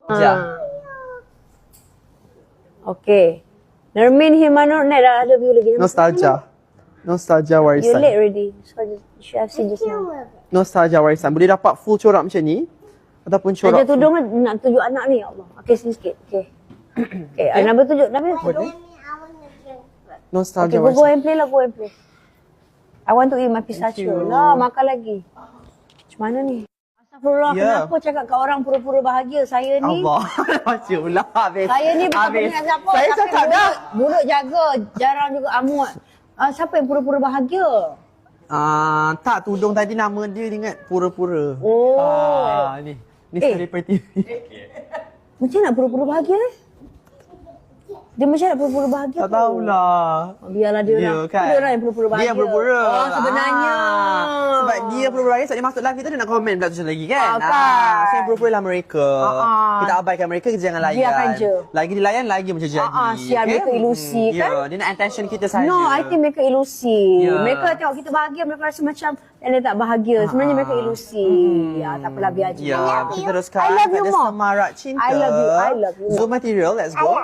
Okay. Nermin Himanur ni dah ada view lagi. Nostalgia You warisan. late already. So you should have seen just now. Nostalgia warisan. Boleh dapat full corak macam ni ataupun corak. Ada tudung nak tunjuk anak ni, ya Allah. Okay, sini sikit. Okay. Okay, Nabil tunjuk. Nabil tunjuk. Nostalgia Okay, go warisan. and play lah, go and play. I want to eat my pistachio. Lah, makan lagi. Macam mana ni? Astagfirullah, kenapa cakap kat orang pura-pura bahagia? Saya ni... Allah. Macam pula habis. Saya ni bukan dengan siapa. Saya tapi cakap dah. Mulut jaga, jarang juga amut. Siapa yang pura-pura bahagia? Tak, tudung tadi nama dia ingat pura-pura. Oh. Ni selebriti. Macam nak pura-pura bahagia? Dia macam nak pura-pura bahagia Tak tahulah. Biarlah dia Dia orang. kan. Dia orang yang pura-pura bahagia. Dia yang pura-pura. Oh, sebenarnya. Sebab dia pura-pura bahagia, sebab dia masuk live kita, dia nak komen pula tu lagi kan. Kan. So yang pura-pura lah mereka. Kita abaikan mereka, kita jangan layan. Biarkan je. Lagi dilayan, lagi macam jadi. Sial mereka ilusi kan. Ya, dia nak attention kita saja. No, I think mereka ilusi. Ya. Mereka tengok kita bahagia, mereka rasa macam dia tak bahagia. Sebenarnya mereka ilusi. Ya, tak apalah, biar je. Ya, kita teruskan. I love you pada more. Semarak Cinta. I love you. Zoom material, let's go.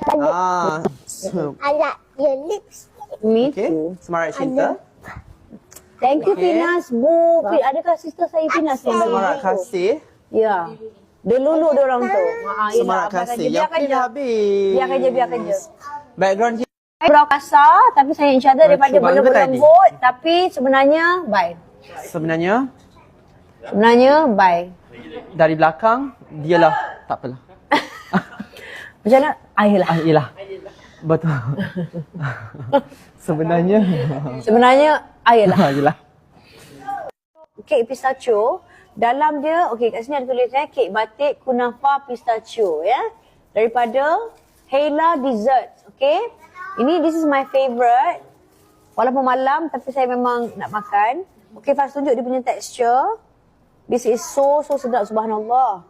I like your lips. Me Okay, too. Semarak Cinta. Thank you, Finas. Bu, adakah sister saya Finas yang bagi Semarak tu? Kasih. Ya. Dia lulu dia orang tu. Semarak Kasih. Yang Biarkan pin je. habis. Biarkan je. Background kita. Berau kasar, tapi saya insyaAllah daripada Cuba juga tadi. berlembut. Tapi sebenarnya, bye. Sebenarnya, bye. Dari belakang, dialah. Tak apalah. Macam mana? Ayolah. Yelah. Betul. Sebenarnya. Ayolah. Yelah. Kek pistachio. Dalam dia, okey kat sini ada tulis kek batik kunafa pistachio ya. Daripada Hela Desserts. Okey. This is my favourite. Walaupun malam tapi saya memang nak makan. Okey, Faz tunjuk dia punya texture. This is so sedap, subhanallah.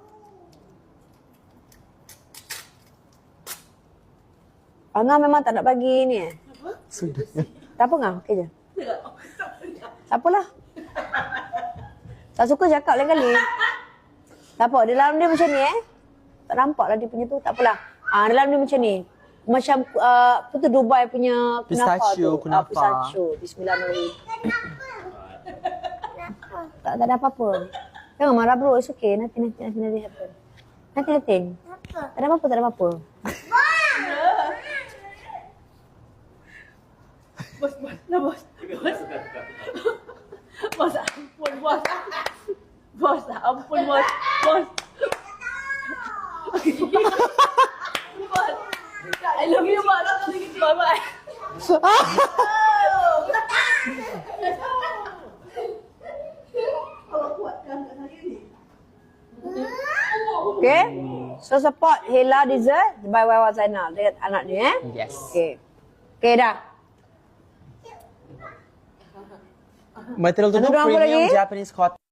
Angah memang tak nak bagi ni Sudah. Tak apa Angah, okey je. Tak apalah. Tak suka cakap lain kali. Tak apa, dalam dia macam ni Tak nampak lah dia punya tu, tak apalah. Dalam dia macam ni. Macam apa tu Dubai punya Pistachio, kunafa. Pistachio. Bismillahirrahmanirrahim. Tak ada apa-apa. Jangan marah bro, it's okay. Nanti happen. Nanti. Tak ada apa-apa. Bos. Bos, ampun bos. Bos, ampun bos. Bos. Bos. I love you bos. Bye-bye. Okay. So support Hela Dessert by Wawa Zainal. Dia anak ni Yes. Okay dah. Material tu Ada orang apa premium lagi? Japanese cotton.